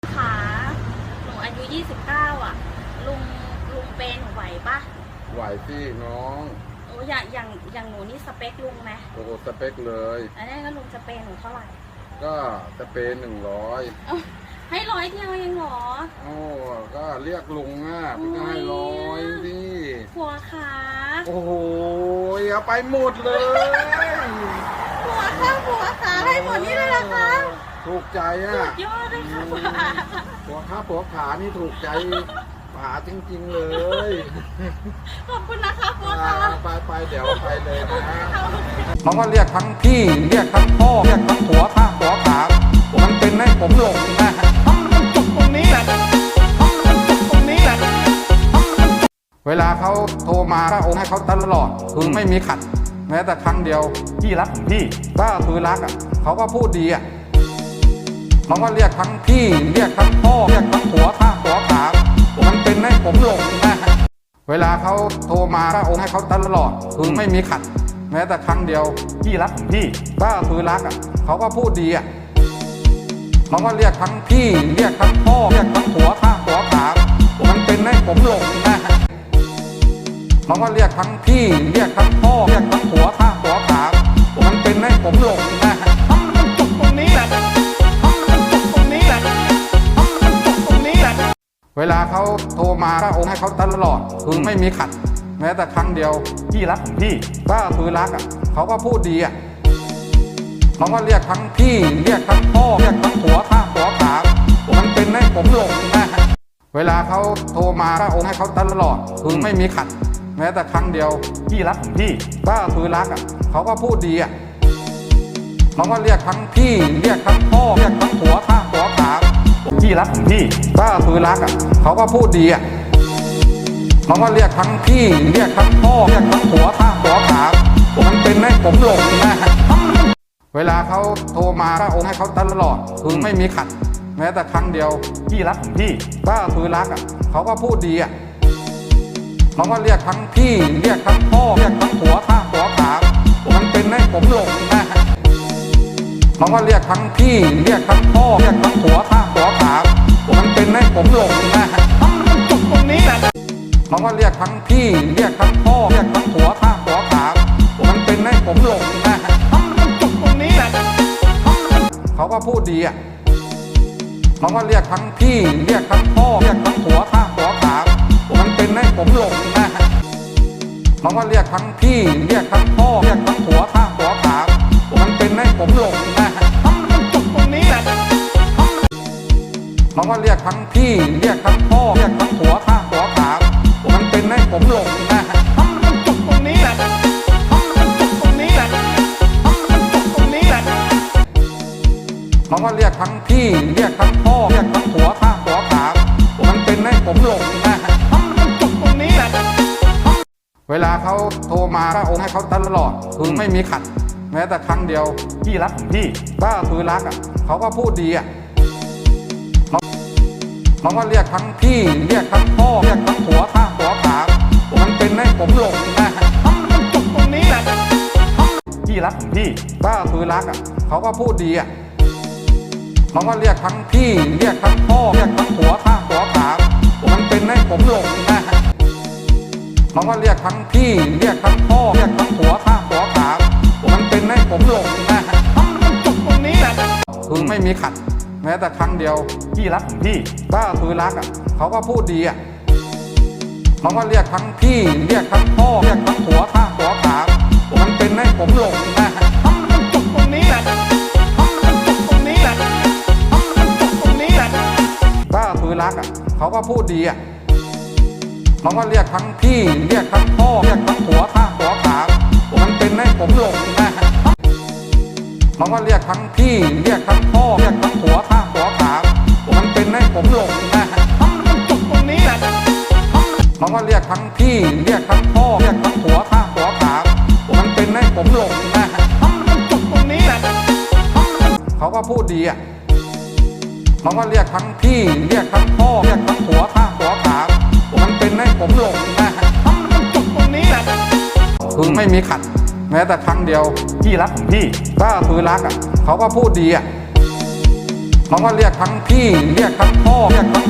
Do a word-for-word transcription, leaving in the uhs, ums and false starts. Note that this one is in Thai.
ขาหนูอายุยี่สิบเก้าอ่ะลุงลุงเปย์หนูไหวปะไหวพี่น้องโอ้อย่างอย่างอย่างหนูนี่สเปคลุงไหมโอ้สเปคเลยอันนี้ก็ลุงจะเปย์หนูเท่าไหร่ก็จะเป็นหนึ่งร้อยให้ร้อยเดียวเองเหรอโอ้ก็เรียกลุงอ่ะพี่ก็ให้ร้อยพี่ผัวขาโอ้โหเอาไปหมดเลยผัวขาผัวขาให้หมดนี่เลยนะคะถูกใจอ่ะสุดยอดเลยค่ะผัวขาผัวขานี่ถูกใจป๋าจริงๆเลยขอบคุณนะคะผัวขาไปไปเดี๋ยวไปเลยนะเขาก็เรียกทั้งพี่เรียกทั้งพ่อเรียกทั้งผัวข้าผัวขามันเป็นให้ผมหลงนะทำมันจุกตรงนี้แหละทำมันจุกตรงนี้แหละเวลาเขาโทรมาก็โอนให้เขาตลอดคือไม่มีขัดแม้แต่ครั้งเดียวพี่รักของพี่ก็คือรักอ่ะเขาก็พูดดีอ่ะเขาก็เรียกทั้งพี่เรียกทั้งพ่อเรียกทั้งผัวข้าผัวขามันเป็นให้ผมหลงนะเวลาเขาโทรมาก็โอนให้เขาตลอดคือไม่มีขัดแม้แต่ครั้งเดียวพี่รักของพี่ก็คือรักอ่ะเขาก็พูดดีอ่ะเขาก็เรียกทั้งพี่เรียกทั้งพ่อเรียกทั้งผัวข้าผัวขามันเป็นให้ผมหลงนะเขาก็เรียกทั้งพี่เรียกทั้งพ่อเรียกทั้งผัวข้าผัวขามันเป็นให้ผมหลงนะทำมันจุกตรงนี้แหละทำมันจุกตรงนี้แหละทำมันจุกตรงนี้แหละเวลาเขาโทรมาก็โอนให้เขาตลอดคือไม่มีขัดแม้แต่ครั้งเดียวพี่รักของพี่ก็คือรักอ่ะเขาก็พูดดีอ่ะเขาก็เรียกทั้งพี่เรียกทั้งพ่อเรียกทั้งผัวข้าผัวขามันเป็นให้ผมหลงนะเวลาเขาโทรมาก็โอนให้เขาตลอดคือไม่มีขัดแม้แต่ครั้งเดียวพี่รักของพี่ก็คือรักอ่ะเขาก็พูดดีอ่ะเขาก็เรียกทั้งพี่เรียกทั้งพ่อเรียกทั้งผัวข้าผัวขาพี่รักของพี่ก็คือรักอ่ะเขาก็พูดดีอ่ะเขาก็เรียกทั้งพี่เรียกทั้งพ่อเรียกทั้งผัวข้าผัวขามันเป็นให้ผมหลงนะเวลาเขาโทรมาก็โอนให้เขาตลอดคือไม่มีขัดแม้แต่ครั้งเดียวพี่รักของพี่ก็คือรักอ่ะเขาก็พูดดีอ่ะเขาก็เรียกทั้งพี่เรียกทั้งพ่อเรียกทั้งผัวข้าผัวขามันเป็นให้ผมหลงนะเขาก็เรียกทั้งพี่เรียกทั้งพ่อเรียกทั้งผัวข้าผัวขามันเป็นให้ผมหลงนะทำมันจุกตรงนี้แหละเขาก็เรียกทั้งพี่เรียกทั้งพ่อเรียกทั้งผัวข้าผัวขามันเป็นให้ผมหลงนะทำมันจุกตรงนี้แหละเขาก็พูดดีอ่ะเขาก็เรียกทั้งพี่เรียกทั้งพ่อเรียกทั้งผัวข้าผัวขามันเป็นให้ผมหลงนะเขาก็เรียกทั้งพี่เรียกทั้งพ่อเรียกทั้งผัวข้าผัวขามันเป็นให้ผมหลงนะทำมันจุกตรงนี้แหละเขาก็เรียกทั้งพี่เรียกทั้งพ่อเรียกทั้งผัวข้าผัวขามันเป็นให้ผมหลงนะทำมันจุกตรงนี้แหละทำมันจุกตรงนี้แหละทำมันจุกตรงนี้แหละเขาก็เรียกทั้งพี่เรียกทั้งพ่อเรียกทั้งผัวข้าผัวขามันเป็นให้ผมหลงนะทำมันจุกตรงนี้แหละเวลาเขาโทรมาก็โอนให้เขาตลอดคือไม่มีขัดแม้แต่ครั้งเดียวพี่รักของพี่ก็คือรักอ่ะเขาก็พูดดีอ่ะเขาก็เรียกทั้งพี่เรียกทั้งพ่อเรียกทั้งผัวข้าผัวขามันเป็นให้ผมหลงนะทำมันจุกตรงนี้แหละพี่รักของพี่ก็คือรักอ่ะเขาก็พูดดีอ่ะเขาก็เรียกทั้งพี่เรียกทั้งพ่อเรียกทั้งผัวข้าผัวขามันเป็นให้ผมหลงนะเขาก็เรียกทั้งพี่เรียกทั้งพ่อเรียกทั้งผัวข้าผัวขามันเป็นให้ผมหลงนะทำมันจุกตรงนี้แหละคือไม่มีขัดแม้แต่ครั้งเดียวพี่รักของพี่ก็คือรักอ่ะเขาก็พูดดีอ่ะเขาก็เรียกทั้งพี่เรียกทั้งพ่อเรียกทั้งผัวข้าผัวขามันเป็นให้ผมหลงนะทำมันจุกตรงนี้แหละทำมันจุกตรงนี้แหละทำมันจุกตรงนี้แหละก็คือรักอ่ะเขาก็พูดดีอ่ะเขาก็เรียกทั้งพี่เรียกทั้งพ่อเรียกทั้งผัวข้าผัวขามันเป็นให้ผมหลงนะเขาก็เรียกทั้งพี่เรียกทั้งพ่อเรียกทั้งผัวข้าผัวขามันเป็นให้ผมหลงนะทำมันจุกตรงนี้แหละเขาก็เรียกทั้งพี่เรียกทั้งพ่อเรียกทั้งผัวข้าผัวขามันเป็นให้ผมหลงนะทำมันจุกตรงนี้แหละเขาก็พูดดีอ่ะเขาก็เรียกทั้งพี่เรียกทั้งพ่อเรียกทั้งผัวข้าผัวขามันเป็นให้ผมหลงนะทำมันจุกตรงนี้แหละคือไม่มีขัดแม้แต่ครั้งเดียวพี่รักของพี่ก็คือรักอ่ะเขาก็พูดดีอ่ะเขาก็เรียกทั้งพี่เรียกทั้งพ่อเรียกทั้ง